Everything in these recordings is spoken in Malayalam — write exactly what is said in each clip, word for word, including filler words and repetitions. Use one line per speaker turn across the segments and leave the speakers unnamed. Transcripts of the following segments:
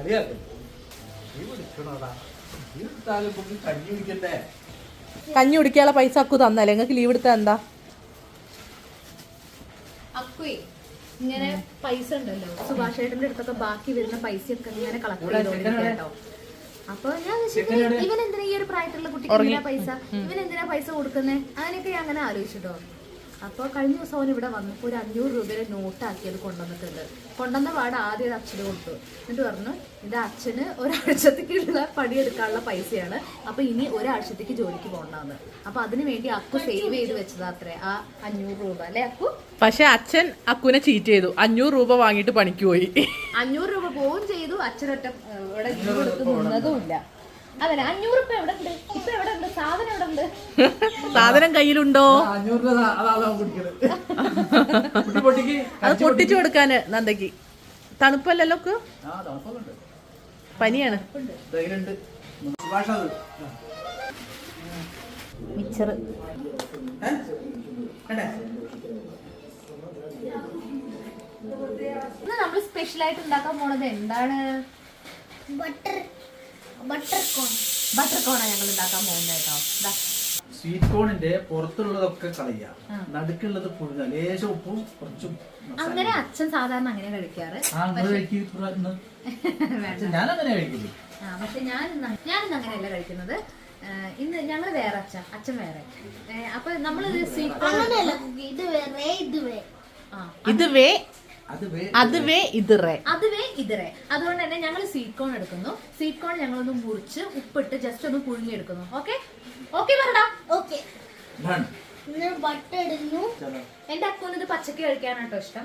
കഞ്ഞി കുടിക്കാനുള്ള പൈസ അക്കു തന്നല്ലേ നിങ്ങൾക്ക് ലീവ് എടുത്താ എന്താ?
അക്കുവേ ഇങ്ങനെ പൈസ ഉണ്ടല്ലോ സുഭാഷ് ഏട്ടന്റെ അടുത്തൊക്കെ ബാക്കി വരുന്ന പൈസയൊക്കെ ഇങ്ങനെ കളക്ട് ചെയ്തോണ്ടിരിക്കുക കേട്ടോ. അപ്പൊ ഞാൻ ഇവൻ എന്തിനാ ഈ ഒരു പ്രായത്തിലുള്ള കുട്ടിക്ക് എന്തിനാ പൈസ, ഇവൻ എന്തിനാ പൈസ കൊടുക്കുന്നേ, അങ്ങനെയൊക്കെ ഞാൻ അങ്ങനെ ആലോചിച്ചിട്ടോ. അപ്പോൾ കഴിഞ്ഞ ദിവസം അവൻ ഇവിടെ വന്നപ്പോൾ ഒരു അഞ്ഞൂറ് രൂപയുടെ നോട്ടാക്കിയത് കൊണ്ടുവന്നിട്ടുണ്ട്. കൊണ്ടുവന്ന പാട് ആദ്യം അച്ഛന് കൊടുത്തു. എന്നിട്ട് പറഞ്ഞു ഇത് അച്ഛന് ഒരാഴ്ചത്തേക്കുള്ള പണിയെടുക്കാനുള്ള പൈസയാണ്, അപ്പൊ ഇനി ഒരാഴ്ചത്തേക്ക് ജോലിക്ക് പോകണ്ടെന്ന്. അപ്പൊ അതിനു വേണ്ടി അക്കു സേവ് ചെയ്ത് വെച്ചതാ അത്രേ ആ അഞ്ഞൂറ് രൂപ അല്ലെ അക്കു?
പക്ഷെ അച്ഛൻ അക്കുനെ ചീറ്റ് ചെയ്തു. അഞ്ഞൂറ് രൂപ വാങ്ങിട്ട് പണിക്ക് പോയി.
അഞ്ഞൂറ് രൂപ പോവും ചെയ്തു. അച്ഛനൊറ്റ ഇവിടെ കൊടുത്ത് നിന്നതും ഇല്ല. അതല്ല അഞ്ഞൂറ് ഇപ്പൊ എവിടെ ഉണ്ട്? ഇപ്പൊ എവിടെ ഉണ്ട് സാധനം? എവിടെ ഉണ്ട്
സാധനം? കയ്യിലുണ്ടോ? അത് പൊട്ടിച്ചു കൊടുക്കാന് നന്ദയ്ക്ക്. തണുപ്പല്ലല്ലോ? പനിയാണ്.
മിച്ചർ ഇന്ന് നമ്മൾ സ്പെഷ്യൽ ആയിട്ട് ഉണ്ടാക്കാൻ പോണത് എന്താണ്? ബട്ടർ ബട്ടർ കോൺ. ബട്ടർ കോണാണ് ഞങ്ങൾ ഉണ്ടാക്കാൻ പോകുന്നത് കേട്ടോ.
സ്വീറ്റ് കോണിന്റെ പുറത്തുള്ളതൊക്കെ കളയുക, നടുക്കുള്ളത് പുഴുക, ലേശം ഉപ്പും കുറച്ചും.
അങ്ങനെ അച്ഛൻ സാധാരണ അങ്ങനെ കഴിക്കാറ്.
ഞാനങ്ങനെ കഴിക്കില്ല.
ആ പക്ഷെ ഞാൻ ഞാനിന്ന് അങ്ങനെയല്ല കഴിക്കുന്നത്. ഇന്ന് ഞങ്ങൾ വേറെ, അച്ഛൻ അച്ഛൻ വേറെ. അപ്പൊ നമ്മള് സ്വീറ്റ് കോൺ
ഇത് വേറെ ഇത് വേ
ഇത് വേ അത് വേ ഇത് റേ
അത് വേ ഇത് റേ. അതുകൊണ്ട് തന്നെ ഞങ്ങൾ സ്വീറ്റ് കോൺ എടുക്കുന്നു. സ്വീറ്റ് കോൺ ഞങ്ങളൊന്ന് മുറിച്ച് ഉപ്പിട്ട് ജസ്റ്റ് ഒന്ന് പുഴുങ്ങി എടുക്കുന്നു. ഓക്കെ ഓക്കെ പറടാ.
ഓക്കെ ബട്ടർ ഇടുന്നു.
എന്റെ അക്കൗണ്ട് ഇത് പച്ചക്ക് കഴിക്കാനാട്ടോ ഇഷ്ടം.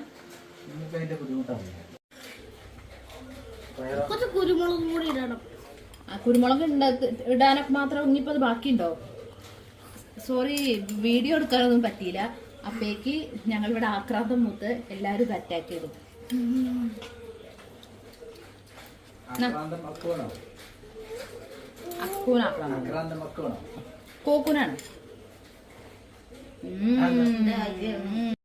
കുറച്ച് കുരുമുളക് കൂടി ഇടണം.
കുരുമുളക് ഇടാനൊക്കെ മാത്രം ഇനിയിപ്പോ അത് ബാക്കിയുണ്ടോ? സോറി, വീഡിയോ എടുക്കാനൊന്നും പറ്റിയില്ല. അപ്പേക്ക് ഞങ്ങളിവിടെ ആക്രാന്തം മൂത്ത് എല്ലാരും അറ്റാക്ക് ചെയ്തു. കോക്കൂനാണ്.